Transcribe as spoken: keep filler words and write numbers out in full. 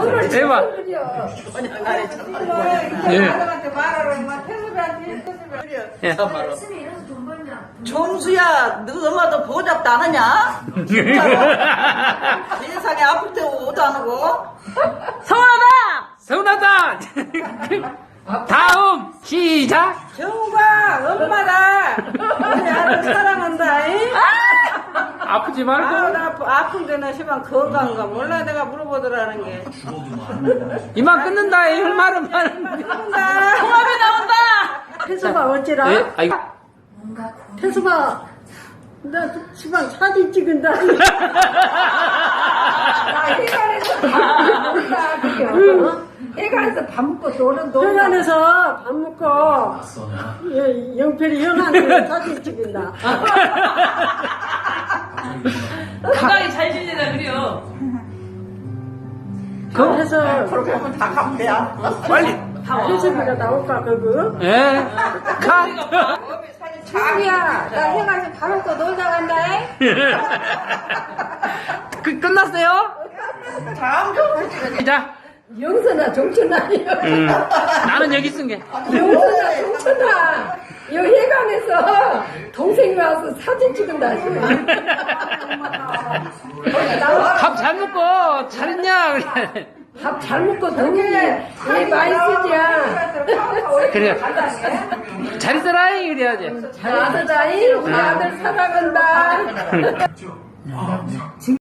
해봐. 예. 예. 정수야, 너 엄마도 보잡도 안 하냐? 세상에 아플 때 오도 안 하고. 서운하다! 서운하다! 다음, 시작! 정우가 엄마가 우리 아들 사랑한다. 잉? 아프지 아, 말고. 나 아프- 아픈데 나 시방 건강한가 몰라. 내가 물어보더라는 게. 이만 끊는다, 이 말은 많은데. 통합이 나온다. 태수가 어찌라? 예? 아이고. 태수가 나 시방 사진 찍은다. 나 해관에서 해관에서 밥 먹고 노는 노는. 해관에서 밥 먹고 예, 영필이 형한테 사진 찍은다. 건강히 잘 지내다 그래요. 그래서 그렇게 하면 다 가면 돼야. 빨리. 태수가 나올까 그거? 예. 가. 자기야, 나 해가지고 밥 먹고 놀다 간다. 그, 끝났어요? 시작. 영선아, 정춘아. 음, 나는 여기 쓴 게. 영선아, 정춘아. 여기 해관에서 동생이 와서 사진 찍은다. 밥 잘 먹고 잘했냐? 그래. 밥 잘 먹고 동생이 왜 많이 쓰지야. 그래. 잘 있어라, 그래야지. 잘 아들다이, 우리 아들 사랑한다.